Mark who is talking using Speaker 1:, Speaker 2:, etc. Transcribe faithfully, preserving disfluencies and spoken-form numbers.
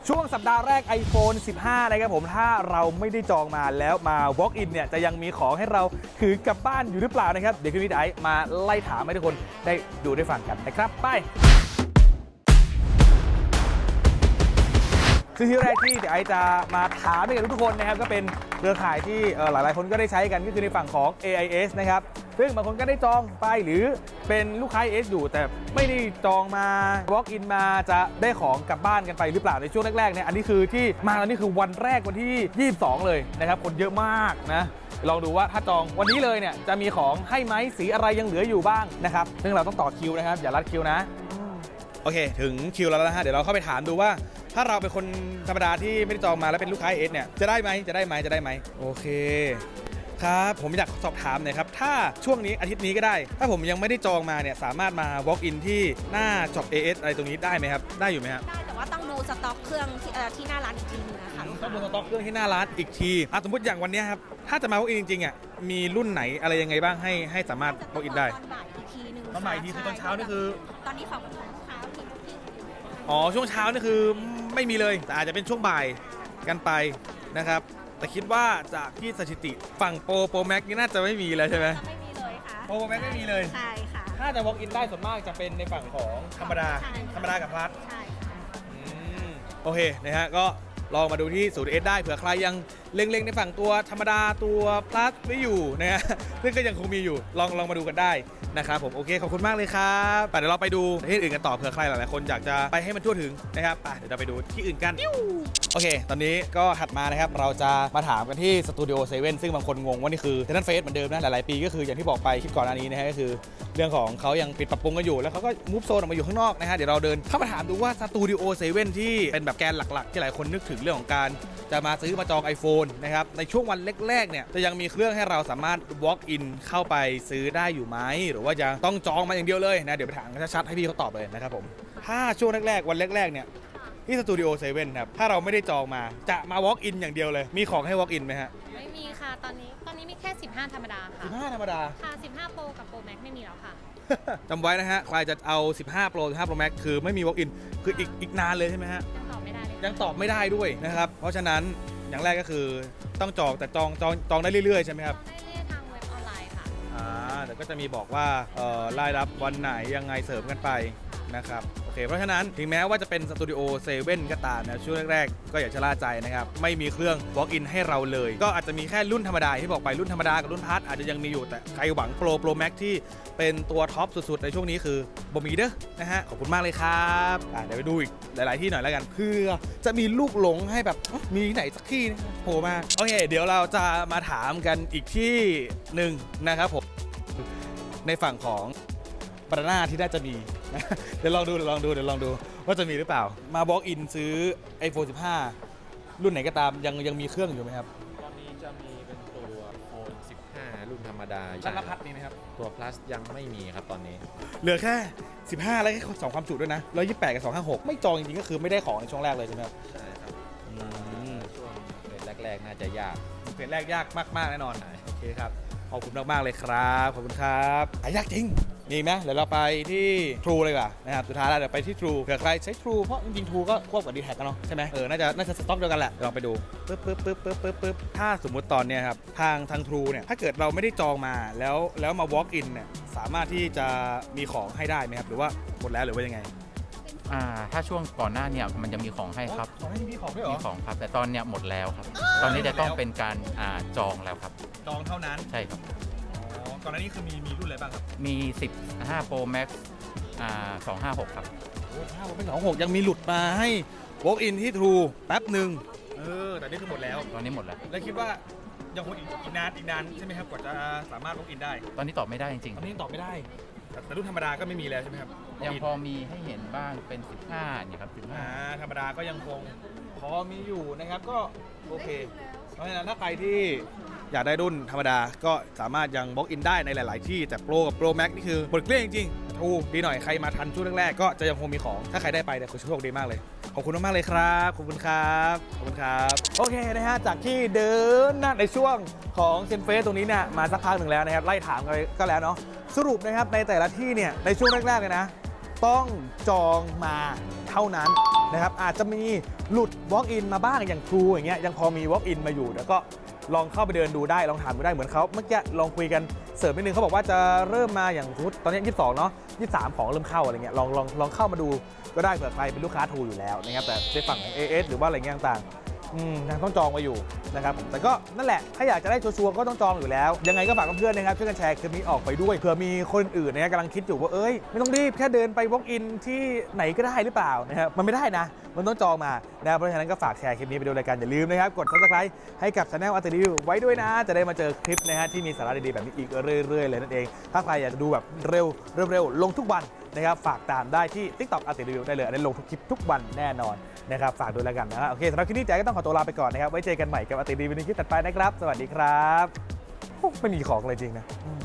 Speaker 1: ช่วงสัปดาห์แรก iPhone สิบห้า นะครับผมถ้าเราไม่ได้จองมาแล้วมา walk in เนี่ยจะยังมีของให้เราถือกลับบ้านอยู่หรือเปล่านะครับเดี๋ยวพี่วิทย์ไอซ์มาไล่ถามให้ทุกคนได้ดูได้ฟังกันนะครับไปซึ่งที่แรกที่เดี๋ยวไอซ์จะมาถามให้กับทุกคนนะครับก็เป็นเครือข่ายที่หลายๆคนก็ได้ใช้กันก็คือในฝั่งของ เอ ไอ เอส นะครับซึ่งบางคนก็ได้จองไปหรือเป็นลูกค้า เอ เอส อยู่แต่ไม่ได้จองมา walk in มาจะได้ของกลับบ้านกันไปหรือเปล่าในช่วงแรกๆเนี่ยอันนี้คือที่มาแล้วนี่คือวันแรกวันที่ยี่สิบสองเลยนะครับคนเยอะมากนะลองดูว่าถ้าจองวันนี้เลยเนี่ยจะมีของให้ไหมสีอะไรยังเหลืออยู่บ้างนะครับซึ่งเราต้องต่อคิวนะครับอย่าลัดคิวนะโอเคถึงคิวแล้วนะฮะเดี๋ยวเราเข้าไปถามดูว่าถ้าเราเป็นคนธรรมดาที่ไม่ได้จองมาแล้วเป็นลูกค้า เอ เอส เนี่ยจะได้ไหมจะได้ไหมจะได้ไหมโอเคครับผมอยากสอบถามหน่อยครับถ้าช่วงนี้อาทิตย์นี้ก็ได้ถ้าผมยังไม่ได้จองมาเนี่ยสามารถมา walk in ที่หน้าช็อป เอ เอส อะไรตรงนี้ได้ไหมครับได้อยู่ไหมครับ
Speaker 2: ได้แต่ว่าต้องดูสต็อกเครื่องที่ที่หน้าร้านอีกทีนึงนะคะ
Speaker 1: ต้องดูสต็อกเครื่องที่หน้าร้านอีกทีอ่ะสมมติอย่างวันนี้ครับถ้าจะมา walk in จริงๆอ่ะมีรุ่นไหนอะไรยังไงบ้างให้ให้สามารถ walk in ได้
Speaker 2: ตอนบ่ายอีกทีนึง
Speaker 1: ตอนบ่ายอีกทีคือตอนเช้านี่คือ
Speaker 2: ตอนนี้ของของลูกค้าที่ที่
Speaker 1: อ๋อช่วงเช้านี่คือไม่มีเลยแต่อาจจะเป็นช่วงบ่ายกันไปนะครับแต่คิดว่าจากที่สถิติฝั่งโปรโปรแม็กนี่น่าจะไม่มีเลยใช่ไหม
Speaker 2: ไม่มีเลยค่ะ
Speaker 1: โปรแม็กไม่มีเลย
Speaker 2: ใช่ค่ะ
Speaker 1: ถ้าจะ walk in ได้ส่วนมากจะเป็นในฝั่งของธรรมดาธรรมดากับพลัส
Speaker 2: ใช่ค่ะ
Speaker 1: โอเคนะฮะก็ลองมาดูที่ศูนย์ เอส ได้เผื่อใครยังเล็งๆในฝั่งตัวธรรมดาตัวพลัสไม่อยู่นะฮะซึ่งก็ยังคงมีอยู่ลองลองมาดูกันได้นะครับผมโอเคขอบคุณมากเลยครับเดี๋ยวเราไปดูประเทศอื่นกันต่อเผื่อใครหลายๆคนอยากจะไปให้มันทั่วถึงนะครับเดี๋ยวเราไปดูที่อื่นกันโอเคตอนนี้ก็ถัดมานะครับเราจะมาถามกันที่สตูดิโอเซเว่นซึ่งบางคนงงว่านี่คือเทนนันเฟสเหมือนเดิมนะหลายๆปีก็คืออย่างที่บอกไปคลิปก่อนอันนี้นะฮะก็คือเรื่องของเขายังปิดปรับปรุงกันอยู่แล้วเขาก็มูฟโซนออกมาอยู่ข้างนอกนะฮะเดี๋ยวเราเดินเข้ามาถามดูว่าสตูดิโอเซเว่นที่เป็นแบบแกนหลักๆที่หลายคนนึกถึงเรื่องของการจะมาซื้อมาจอง iPhone นะครับในช่วงวันแรกๆเนี่ยจะยังมีเครื่องให้เราสามารถ walk in เข้าไปซื้อได้อยู่ไหมหรือว่าจะต้องจองมาอย่างเดียวเลยนะเดี๋ยวไปถามกันชัดๆให้พี่เขาตอบเลยนะครับผมถ้าช่วงแรกๆวันแรกๆเนี่ยที่สตูดิโอเซเว่นครับถ้าเราไม่ได้จองมาจะมา walk in อย่างเดียวเลยมีของให้ walk in ไหมฮะ
Speaker 3: ไม่มีค่ะตอนนี้ตอนนี้มีแค่สิบห้าธรรมดาค่ะ
Speaker 1: สิบห้าธรรมดา
Speaker 3: ค่ะสิบห้า Pro กับ Pro Max ไม่มีแล้วค่ะ
Speaker 1: จำไว้นะฮะใครจะเอาสิบห้า Pro สิบห้า Pro Max คือไม่มี walk in คืออีกอีกนานเลยใช่ไหมฮะ
Speaker 3: ยังตอบไม่ได้เลย
Speaker 1: ยังตอบไม่ได้ด้วยนะครับเพราะฉะนั้นอย่างแรกก็คือต้องจองแต่จองจองจองได้เรื่อยๆใช่ไหมครับ
Speaker 3: ได้เรื่อยทางเว็บออนไลน์ค่ะ
Speaker 1: อ่าเดี๋ยวก็จะมีบอกว่าเอ่อรายรับวันไหนยังไงเสริมกันไปนะครับโอเคเพราะฉะนั้นถึงแม้ว่าจะเป็นสตูดิโอเซเว่นก็ตามนะช่วงแรกๆก็อย่าชะล่าใจนะครับไม่มีเครื่อง walk in ให้เราเลยก็อาจจะมีแค่รุ่นธรรมดาที่บอกไปรุ่นธรรมดากับรุ่นพัทอาจจะยังมีอยู่แต่ใครหวังโปรโปรแม็กที่เป็นตัวท็อปสุดๆในช่วงนี้คือบ่มีเด้อนะฮะขอบคุณมากเลยครับเดี๋ยวไปดูอีกหลายๆที่หน่อยแล้วกันเพื่อจะมีลูกหลงให้แบบมีไหนสักที่โผล่มาโอเคเดี๋ยวเราจะมาถามกันอีกที่หนึ่งนะครับผมในฝั่งของบานาน่าที่น่าจะมีเดี๋ยวลองดูเดี๋ยวลองดูเดี๋ยวลองดูว่าจะมีหรือเปล่ามา walk in ซื้อ iPhone สิบห้า รุ่นไหนก็ตามยังยังมีเครื่องอยู่ไหมครับ
Speaker 4: ตอนนี้จะมีเป็นตัว iPhone สิบห้า รุ่นธรรมดา
Speaker 1: ชั้นละพัดมีไหมครับ
Speaker 4: ตัว plus ยังไม่มีครับตอนนี้
Speaker 1: เหลือแค่สิบห้าแล้วแค่สองความจุด้วยนะหนึ่งร้อยยี่สิบแปดกับสองร้อยห้าสิบหกไม่จองจริงๆก็คือไม่ได้ของในช่วงแรกเลยใช่ไหมครับ
Speaker 4: ใช่ครับช่วงเฟสแรกๆน่าจะยาก
Speaker 1: เฟสแรกยากมากๆแน่นอนโอเคครับขอบคุณมากๆเลยครับขอบคุณครับหายากจริงมีไหมเดี๋ยวเราไปที่ True เลยว่ะนะครับสุดท้ายแล้วเดี๋ยวไปที่ True เผื่อใครใช้ True เพราะจริงๆ True ก็ควบกับ ดี แท็ก กันเนาะใช่ไหมเออน่าจะน่าจะสต็อกเดียวกันแหละลองไปดูปึ๊บปึ๊บปึ๊บปึ๊บปึ๊บปึ๊บถ้าสมมุติตอนเนี้ยครับทางทาง True เนี่ยถ้าเกิดเราไม่ได้จองมาแล้วแล้วมา walk in เนี่ยสามารถที่จะมีของให้ได้ไหมครับหรือว่าหมดแล้วหรือว่ายังไง
Speaker 5: อ่าถ้าช่วงก่อนหน้าเนี่ยมันจะมีของให้ครับ
Speaker 1: ของให้มีของด้วยเหรอ
Speaker 5: มีของครับแต่ตอนเนี้ยหมดแล้วครับตอนนี้จะต้องเป็นการอ่าจองแล้วครับ
Speaker 1: จองเท่านั้น
Speaker 5: ใช่ครับ
Speaker 1: ก่อนหน้านี้คือมีมีรุ่นอะไรบ้างครับ
Speaker 5: มีสิบห้า Pro Max อ่าสองห้าหกครับ
Speaker 1: โอ้ถ้าเป็นสองหกยังมีหลุดมาให้ walk in ที่ True แป๊บหนึ่งเออแต่นี่คือหมดแล้ว
Speaker 5: ตอนนี้หมดแล้ว
Speaker 1: แล้วคิดว่ายังคงอีกอีกนานอีกนานใช่ไหมครับกว่าจะสามารถ walk in ได้
Speaker 5: ตอนนี้ตอบไม่ได้จริง
Speaker 1: ๆตอนนี้ตอบไม่ได้แต่รุ่นธรรมดาก็ไม่มีแล้วใช่ไหมครับ
Speaker 5: ยังพอมีให้เห็นบ้างเป็นสิบห้าเนี่ยครับสิบห้า
Speaker 1: ธรรมดาก็ยังคงพอมีอยู่นะครับก็โอเคเพราะฉะนั้นถ้าใครที่อยากได้รุ่นธรรมดาก็สามารถยัง walk in ได้ในหลายๆที่แต่ Pro กับ Pro Max นี่คือหมดเกลี้ยงจริงๆถูกดีหน่อยใครมาทันช่วงแรกๆก็จะยังคงมีของถ้าใครได้ไปเนี่ยคุณโชคดีมากเลยขอบคุณมากๆเลยครับขอบคุณครับขอบคุณครับโอเคนะฮะจากที่เดินนะในช่วงของเซนเฟสตรงนี้เนี่ยมาสักพักหนึ่งแล้วนะครับไล่ถามกันก็แล้วเนาะสรุปนะครับในแต่ละที่เนี่ยในช่วงแรกๆเลยนะต้องจองมาเท่านั้นนะครับอาจจะมีหลุด walk in มาบ้างอย่าง True อย่างเงี้ยยังพอมี walk in มาอยู่แล้วก็ลองเข้าไปเดินดูได้ลองถามดูได้เหมือนเขาเมื่อกี้ลองคุยกันเสริมนิดนึงเขาบอกว่าจะเริ่มมาอย่างสมมุติตอนนี้ยี่สิบสองเนาะยี่สิบสามของเริ่มเข้าอะไรเงี้ยลองลองลองเข้ามาดูก็ได้เผื่อใครเป็นลูกค้า True อยู่แล้วนะครับแต่ในฝั่งของ เอ เอส หรือว่าอะไรเงี้ยต่างๆอืมยังต้องจองไว้อยู่นะครับผมแต่ก็นั่นแหละถ้าอยากจะได้ชัวร์ๆก็ต้องจองอยู่แล้วยังไงก็ฝากเพื่อนๆนะครับช่วยกันแชร์คลิปนี้ออกไปด้วยเผื่อมีคนอื่นนะกำลังคิดอยู่ว่าเอ้ยไม่ต้องรีบแค่เดินไป walk in ที่ไหนก็ได้หรือเปล่านะครับมันไม่ได้นะมันต้องจองมานะเพราะฉะนั้นก็ฝากแชร์คลิปนี้ไปดูรายการอย่าลืมนะครับกด Subscribe ให้กับ Channel อาร์ติรีวิวไว้ด้วยนะจะได้มาเจอคลิปนะฮะที่มีสาระดีๆแบบนี้อีกเรื่อยๆเลยนั่นเองถ้าใครอยากจะดูแบบเร็วเร็วๆลงทุกวันนะครับฝากตามได้ที่ TikTok อาร์ติรีวิวได้เลยอันนี้ลงทุกคลิปทุกวันแน่นอนนะครับฝากด้วยแล้วกันนะฮะโอเคสำหรับคลิปนี้แจ๊คก็ต้องขอตัวลาไปก่อนนะครับไว้เจอกันใหม่กับอาร์ติรีวิวในคลิปถัดไปนะครับสวัสดีครับโอ้ไม่มีของเลยจริงนะอืม